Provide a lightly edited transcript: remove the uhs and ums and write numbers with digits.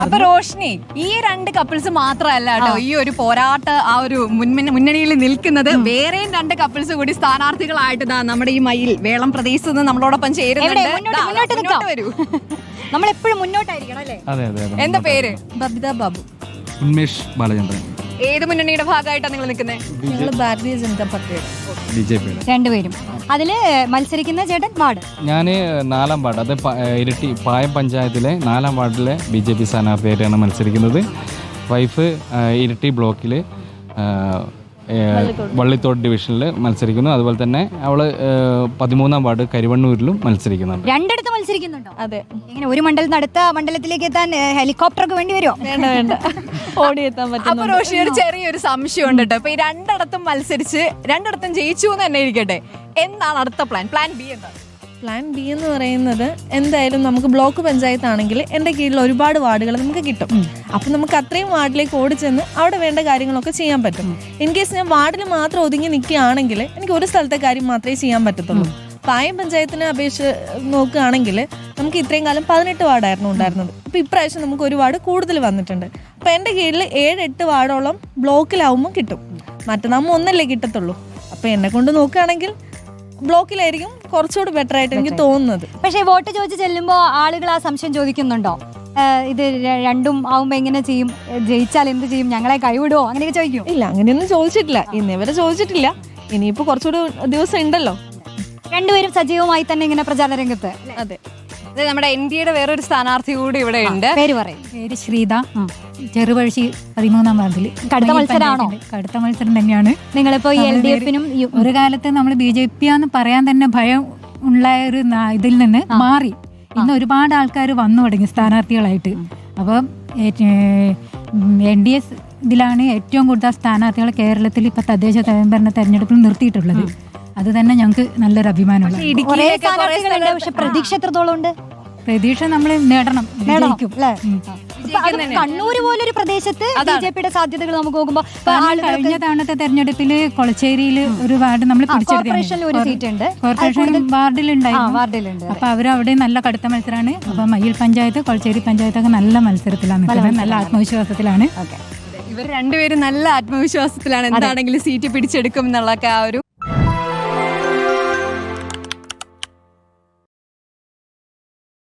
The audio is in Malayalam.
അപ്പൊ റോഷ്നി, ഈ രണ്ട് കപ്പിൾസ് മാത്രമല്ല കേട്ടോ ഈ ഒരു പോരാട്ട ആ ഒരു മുന്നണിയിൽ നിൽക്കുന്നത്. വേറെയും രണ്ട് കപ്പിൾസ് കൂടി സ്ഥാനാർത്ഥികളായിട്ട് നമ്മുടെ ഈ മയിൽ വേളം പ്രദേശത്ത് നിന്ന് നമ്മളോടൊപ്പം ചേരുന്നുണ്ട്. വരൂ, നമ്മളെപ്പോഴും മുന്നോട്ടായിരിക്കണം അല്ലേ? എന്താ പേര്? ബബിത ബാബു. ഉന്മേഷ് ബാലചന്ദ്രൻ. ഏത് മുന്നണിയുടെ ഭാഗമായിട്ടാണ് നിങ്ങൾ നിൽക്കുന്നത്? ഞങ്ങൾ ഭാരതീയ ജനതാ പാർട്ടിയുടെ. ബിജെപിയുടെ. രണ്ടുപേരും അതില് മത്സരിക്കുന്ന ചേട്ടൻ വാർഡ്. ഞാൻ 4-ാം വാർഡ്, അത് ഇരിട്ടി പായം പഞ്ചായത്തിലെ 4-ാം വാർഡിലെ BJP സ്ഥാനാർത്ഥിയായിട്ടാണ് മത്സരിക്കുന്നത്. വൈഫ് ഇരിട്ടി ബ്ലോക്കിൽ വള്ളിത്തോട് ഡിവിഷനിൽ മത്സരിക്കുന്നു. അതുപോലെ തന്നെ അവള് 13-ാം വാർഡ് കരിവണ്ണൂരിലും മത്സരിക്കുന്നുണ്ട്. രണ്ടിടത്ത് മത്സരിക്കുന്നുണ്ടോ? അതെ. ഇങ്ങനെ ഒരു മണ്ഡലത്തിൽ അടുത്ത മണ്ഡലത്തിലേക്ക് എത്താൻ ഹെലികോപ്റ്റർ ഒക്കെ വേണ്ടി വരുമോ? വേണ്ട ഓടിയെത്താൻ പറ്റും. അപ്പൊ റോഷി, ഒരു ചെറിയൊരു സംശയം ഉണ്ട് കേട്ടോ. ഇപ്പൊ ഈ രണ്ടിടത്തും മത്സരിച്ച് രണ്ടിടത്തും ജയിച്ചു എന്ന് തന്നെ ഇരിക്കട്ടെ, എന്താണ് അടുത്ത പ്ലാൻ ബി? എന്താ പ്ലാൻ ബി എന്ന് പറയുന്നത്? എന്തായാലും നമുക്ക് ബ്ലോക്ക് പഞ്ചായത്ത് ആണെങ്കിൽ എൻ്റെ കീഴിൽ ഒരുപാട് വാർഡുകൾ നമുക്ക് കിട്ടും. അപ്പം നമുക്ക് അത്രയും വാർഡിലേക്ക് ഓടിച്ചെന്ന് അവിടെ വേണ്ട കാര്യങ്ങളൊക്കെ ചെയ്യാൻ പറ്റും. ഇൻ കേസ് ഞാൻ വാർഡിൽ മാത്രം ഒതുങ്ങി നിൽക്കുകയാണെങ്കിൽ എനിക്ക് ഒരു സ്ഥലത്തെ കാര്യം മാത്രമേ ചെയ്യാൻ പറ്റത്തുള്ളൂ. പായം പഞ്ചായത്തിനെ അപേക്ഷിച്ച് നോക്കുകയാണെങ്കിൽ നമുക്ക് ഇത്രയും കാലം 18 വാർഡായിരുന്നു ഉണ്ടായിരുന്നത്. അപ്പോൾ ഇപ്രാവശ്യം നമുക്ക് ഒരു വാർഡ് കൂടുതൽ വന്നിട്ടുണ്ട്. അപ്പോൾ എൻ്റെ കീഴിൽ 7-8 വാർഡോളം ബ്ലോക്കിലാവുമ്പോൾ കിട്ടും. മറ്റന്നാകുമ്പോൾ ഒന്നല്ലേ കിട്ടത്തുള്ളൂ. അപ്പോൾ എന്നെ കൊണ്ട് നോക്കുകയാണെങ്കിൽ ബ്ലോക്കിലായിരിക്കും കുറച്ചുകൂടി ബെറ്റർ ആയിട്ട് എനിക്ക് തോന്നുന്നത്. പക്ഷേ വോട്ട് ചോദിച്ച് ചെല്ലുമ്പോൾ ആളുകൾ ആ സംശയം ചോദിക്കുന്നുണ്ടോ? ഇത് രണ്ടും ആവുമ്പോൾ എങ്ങനെ ചെയ്യും, ജയിച്ചാൽ എന്ത് ചെയ്യും, ഞങ്ങളെ കൈവിടുവോ, അങ്ങനെയൊക്കെ ചോദിക്കും? ഇല്ല, അങ്ങനെയൊന്നും ചോദിച്ചിട്ടില്ല, ഇന്നേവരെ ചോദിച്ചിട്ടില്ല. ഇനിയിപ്പോൾ കുറച്ചുകൂടി ദിവസം ഉണ്ടല്ലോ. രണ്ടുപേരും സജീവമായി തന്നെ ഇങ്ങനെ പ്രചാരണ രംഗത്ത്. അതെ. നമ്മുടെ NDAയുടെ വേറൊരു സ്ഥാനാർത്ഥി കൂടി ഇവിടെ ഉണ്ട്. പേര് പറയും. പേര് ശ്രീത, ചെറുപഴശ്ശി 13-ാം വാർഡിൽ. കടുത്ത മത്സരമാണോ? കടുത്ത മത്സരം തന്നെയാണ്. നിങ്ങളിപ്പോ LDFനും ഒരു കാലത്ത് നമ്മൾ BJP ആന്ന് പറയാൻ തന്നെ ഭയം ഉള്ള ഒരു ഇതിൽ നിന്ന് മാറി ഇന്ന് ഒരുപാട് ആൾക്കാർ വന്നു തുടങ്ങി സ്ഥാനാർത്ഥികളായിട്ട്. അപ്പം NDA ഇതിലാണ് ഏറ്റവും കൂടുതൽ സ്ഥാനാർത്ഥികൾ കേരളത്തിൽ ഇപ്പൊ തദ്ദേശ സ്വയംഭരണ തെരഞ്ഞെടുപ്പിൽ നിർത്തിയിട്ടുള്ളത്. അത് തന്നെ ഞങ്ങൾക്ക് നല്ലൊരു അഭിമാനമുള്ള. പക്ഷെ പ്രതീക്ഷ എത്രത്തോളം ഉണ്ട്? പ്രതീക്ഷ നമ്മൾ നേടണം. കണ്ണൂര് പോലൊരു പ്രദേശത്ത് BJPയുടെ സാധ്യതകൾ നമുക്ക് നോക്കുമ്പോൾ കഴിഞ്ഞ തവണത്തെ തെരഞ്ഞെടുപ്പിൽ കൊളച്ചേരിയിൽ ഒരു വാർഡ് നമ്മൾ കോർപ്പറേഷനിൽ ഒരു സീറ്റ് ഉണ്ട്. കോർപ്പറേഷൻ വാർഡിലുണ്ടായിരുന്നു. അപ്പൊ അവരവിടെ നല്ല കടുത്ത മത്സരമാണ്. അപ്പൊ മയ്യിൽ പഞ്ചായത്ത്, കൊളച്ചേരി പഞ്ചായത്തൊക്കെ നല്ല മത്സരത്തിലാണ് നിൽക്കുന്നത്, നല്ല ആത്മവിശ്വാസത്തിലാണ്. ഇവർ രണ്ടുപേരും നല്ല ആത്മവിശ്വാസത്തിലാണ് എന്താണെങ്കിലും സീറ്റ് പിടിച്ചെടുക്കും എന്നുള്ളൊക്കെ ആ ഒരു